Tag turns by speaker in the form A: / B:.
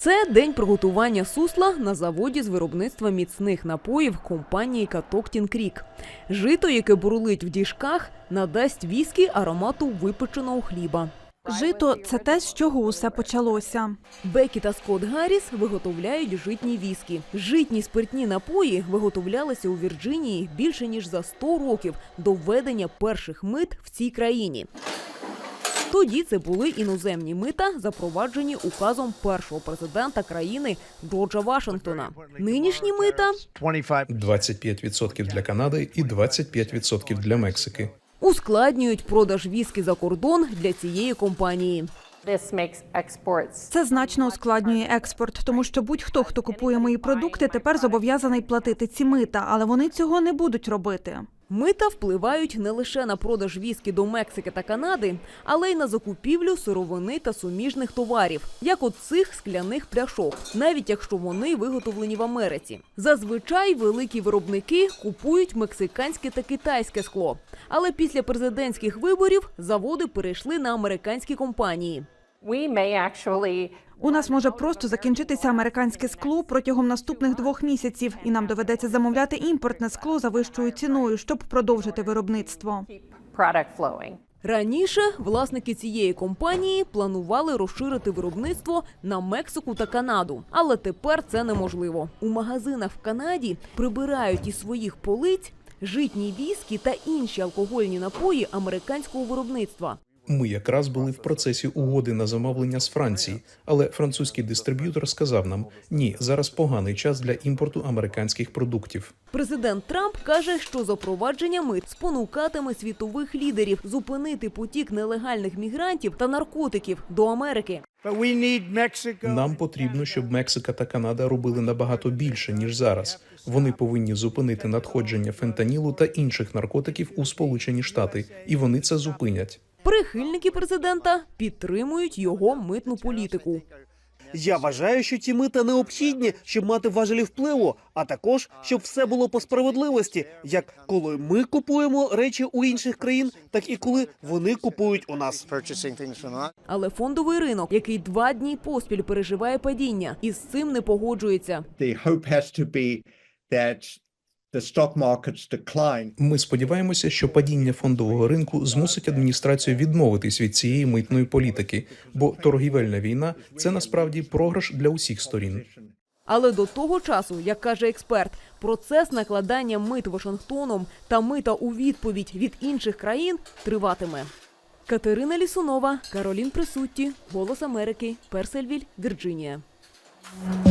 A: Це день приготування сусла на заводі з виробництва міцних напоїв компанії Catoctin Creek. Жито, яке бурлить в діжках, надасть віскі аромату випеченого хліба.
B: Жито – це те, з чого усе почалося.
A: Бекі та Скотт Гарріс виготовляють житні віскі. Житні спиртні напої виготовлялися у Вірджинії більше ніж за 100 років до введення перших мит в цій країні. Тоді це були іноземні мита, запроваджені указом першого президента країни Джорджа Вашингтона. Нинішні мита
C: 25% для Канади і 25% для Мексики.
A: ускладнюють продаж віскі за кордон для цієї компанії.
B: Це значно ускладнює експорт, тому що будь-хто, хто купує мої продукти, тепер зобов'язаний платити ці мита, але вони цього не будуть робити.
A: Мита впливають не лише на продаж віскі до Мексики та Канади, але й на закупівлю сировини та суміжних товарів, як от цих скляних пляшок, навіть якщо вони виготовлені в Америці. Зазвичай великі виробники купують мексиканське та китайське скло, але після президентських виборів заводи перейшли на американські компанії.
B: У нас може просто закінчитися американське скло протягом наступних 2 місяців, і нам доведеться замовляти імпортне скло за вищою ціною, щоб продовжити виробництво.
A: Раніше власники цієї компанії планували розширити виробництво на Мексику та Канаду. Але тепер це неможливо. У магазинах в Канаді прибирають із своїх полиць житні віскі та інші алкогольні напої американського виробництва.
C: Ми якраз були в процесі угоди на замовлення з Франції, але французький дистриб'ютор сказав нам, ні, зараз поганий час для імпорту американських продуктів.
A: Президент Трамп каже, що запровадження мит спонукатиме світових лідерів зупинити потік нелегальних мігрантів та наркотиків до Америки.
C: Нам потрібно, щоб Мексика та Канада робили набагато більше, ніж зараз. Вони повинні зупинити надходження фентанілу та інших наркотиків у Сполучені Штати, і вони це зупинять.
A: Прихильники президента підтримують його митну політику.
D: Я вважаю, що ці мита необхідні, щоб мати важелі впливу, а також, щоб все було по справедливості, як коли ми купуємо речі у інших країн, так і коли вони купують у нас.
A: Але фондовий ринок, який 2 дні поспіль переживає падіння, із цим не погоджується.
C: Ми сподіваємося, що падіння фондового ринку змусить адміністрацію відмовитись від цієї митної політики, бо торгівельна війна – це насправді програш для усіх сторін.
A: Але до того часу, як каже експерт, процес накладання мит Вашингтоном та мита у відповідь від інших країн триватиме. Катерина Лісунова, Каролін Присутті, Голос Америки, Персельвіль, Вірджинія.